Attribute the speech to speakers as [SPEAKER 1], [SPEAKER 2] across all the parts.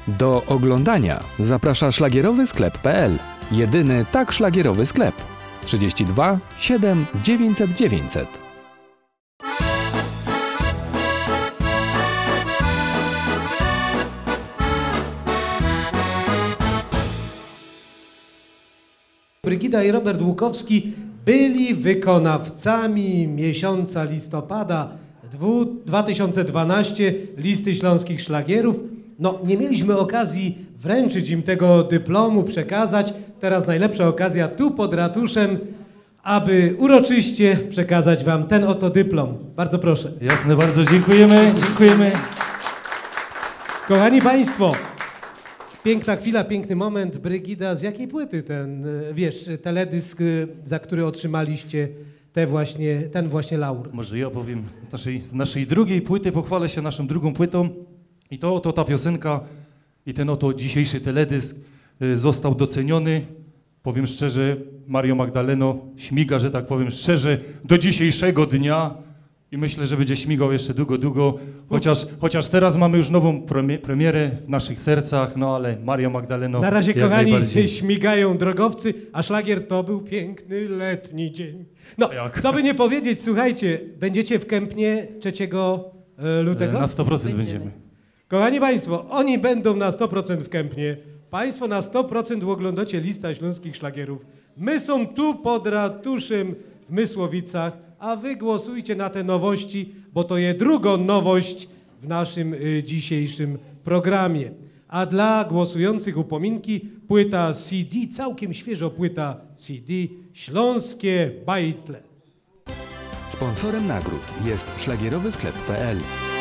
[SPEAKER 1] Do oglądania zaprasza szlagierowy sklep.pl. Jedyny tak szlagierowy sklep. 32 7 900 900.
[SPEAKER 2] Brygida i Robert Łukowski byli wykonawcami miesiąca listopada 2012 Listy Śląskich Szlagierów. No, nie mieliśmy okazji wręczyć im tego dyplomu, przekazać. Teraz najlepsza okazja tu pod ratuszem, aby uroczyście przekazać wam ten oto dyplom. Bardzo proszę.
[SPEAKER 3] Jasne, bardzo dziękujemy. Dziękujemy.
[SPEAKER 2] Kochani Państwo, piękna chwila, piękny moment. Brygida, z jakiej płyty ten, teledysk, za który otrzymaliście ten właśnie laur?
[SPEAKER 3] Może ja powiem z naszej drugiej płyty, pochwalę się naszą drugą płytą. I to oto ta piosenka i ten oto dzisiejszy teledysk został doceniony. Powiem szczerze, Mario Magdaleno śmiga, że tak powiem szczerze, do dzisiejszego dnia i myślę, że będzie śmigał jeszcze długo, chociaż teraz mamy już nową premierę w naszych sercach, no ale Mario Magdaleno
[SPEAKER 2] na razie,
[SPEAKER 3] jak
[SPEAKER 2] kochani,
[SPEAKER 3] najbardziej.
[SPEAKER 2] śmigają drogowcy, a szlagier to był piękny letni dzień. No, co by nie powiedzieć, słuchajcie, będziecie w Kępnie 3 lutego?
[SPEAKER 3] Na 100% będziemy.
[SPEAKER 2] Kochani Państwo, oni będą na 100% w Kępnie, Państwo na 100% oglądacie Lista Śląskich Szlagierów. My są tu pod ratuszem w Mysłowicach, a wy głosujcie na te nowości, bo to jest druga nowość w naszym dzisiejszym programie. A dla głosujących upominki płyta CD, całkiem świeżo płyta CD, Śląskie Bajtle.
[SPEAKER 1] Sponsorem nagród jest szlagierowy sklep.pl.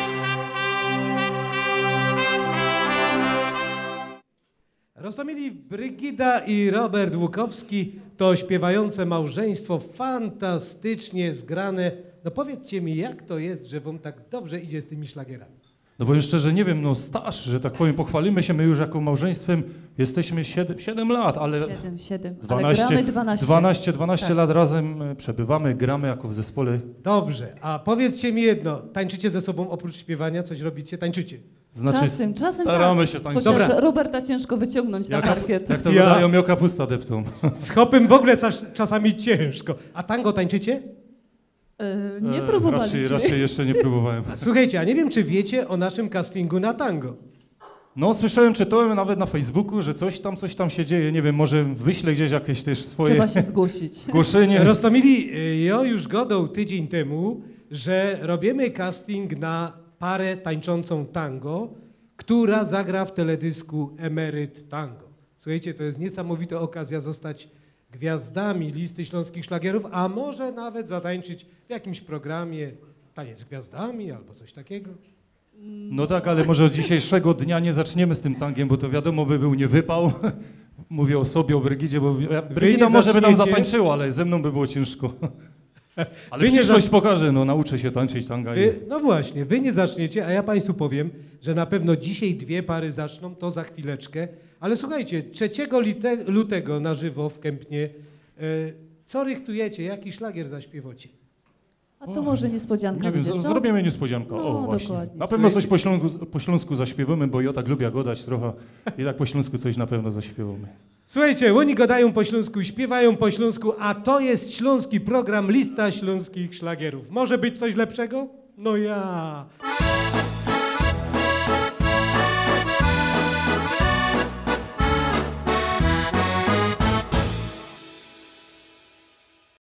[SPEAKER 2] Roztomili Brygida i Robert Łukowski to śpiewające małżeństwo, fantastycznie zgrane. No powiedzcie mi, jak to jest, że wam tak dobrze idzie z tymi szlagierami?
[SPEAKER 3] No bo szczerze nie wiem, no staż, że tak powiem, pochwalimy się, my już jako małżeństwem jesteśmy 7 lat, ale
[SPEAKER 4] 7.
[SPEAKER 3] 12,
[SPEAKER 4] ale gramy 12.
[SPEAKER 3] 12
[SPEAKER 4] tak.
[SPEAKER 3] lat razem przebywamy, gramy jako w zespole.
[SPEAKER 2] Dobrze, a powiedzcie mi jedno, tańczycie ze sobą oprócz śpiewania, coś robicie, tańczycie?
[SPEAKER 3] Znaczy,
[SPEAKER 4] Czasem
[SPEAKER 3] staramy
[SPEAKER 4] tak.
[SPEAKER 3] się tańczyć.
[SPEAKER 4] Chociaż
[SPEAKER 2] Dobra.
[SPEAKER 4] Roberta ciężko wyciągnąć na parkiet.
[SPEAKER 3] Jak to wydają, miał kapusta deptą.
[SPEAKER 2] Z hopem w ogóle czasami ciężko. A tango tańczycie?
[SPEAKER 4] Nie próbowaliśmy.
[SPEAKER 3] Raczej jeszcze nie próbowałem.
[SPEAKER 2] Słuchajcie, a nie wiem, czy wiecie o naszym castingu na tango.
[SPEAKER 3] No słyszałem, czytałem nawet na Facebooku, że coś tam się dzieje. Nie wiem, może wyślę gdzieś jakieś też swoje
[SPEAKER 4] Trzeba się zgłosić.
[SPEAKER 3] zgłoszenie.
[SPEAKER 2] Roztomili, ja już gadał tydzień temu, że robimy casting na parę tańczącą tango, która zagra w teledysku Emeryt Tango. Słuchajcie, to jest niesamowita okazja zostać gwiazdami Listy Śląskich Szlagierów, a może nawet zatańczyć w jakimś programie Taniec z Gwiazdami albo coś takiego.
[SPEAKER 3] No tak, ale może od dzisiejszego dnia nie zaczniemy z tym tangiem, bo to wiadomo by był niewypał. Mówię o sobie, o Brygidzie, bo Brygida może by tam zatańczyła, ale ze mną by było ciężko. Ale przyszłość pokaże, no nauczę się tańczyć tanga.
[SPEAKER 2] No właśnie, wy nie zaczniecie, a ja Państwu powiem, że na pewno dzisiaj 2 pary zaczną, to za chwileczkę. Ale słuchajcie, 3 lutego na żywo w Kępnie, co rychtujecie, jaki szlagier zaśpiewacie?
[SPEAKER 4] A to może niespodzianka
[SPEAKER 3] Nie wiem,
[SPEAKER 4] będzie, co?
[SPEAKER 3] zrobimy niespodziankę.
[SPEAKER 4] No,
[SPEAKER 3] O, właśnie.
[SPEAKER 4] dokładnie.
[SPEAKER 3] Na pewno coś po śląsku zaśpiewamy, bo ja tak lubię gadać trochę i tak po śląsku coś na pewno zaśpiewamy.
[SPEAKER 2] Słuchajcie, oni gadają po śląsku, śpiewają po śląsku, a to jest śląski program Lista Śląskich Szlagierów. Może być coś lepszego? No ja.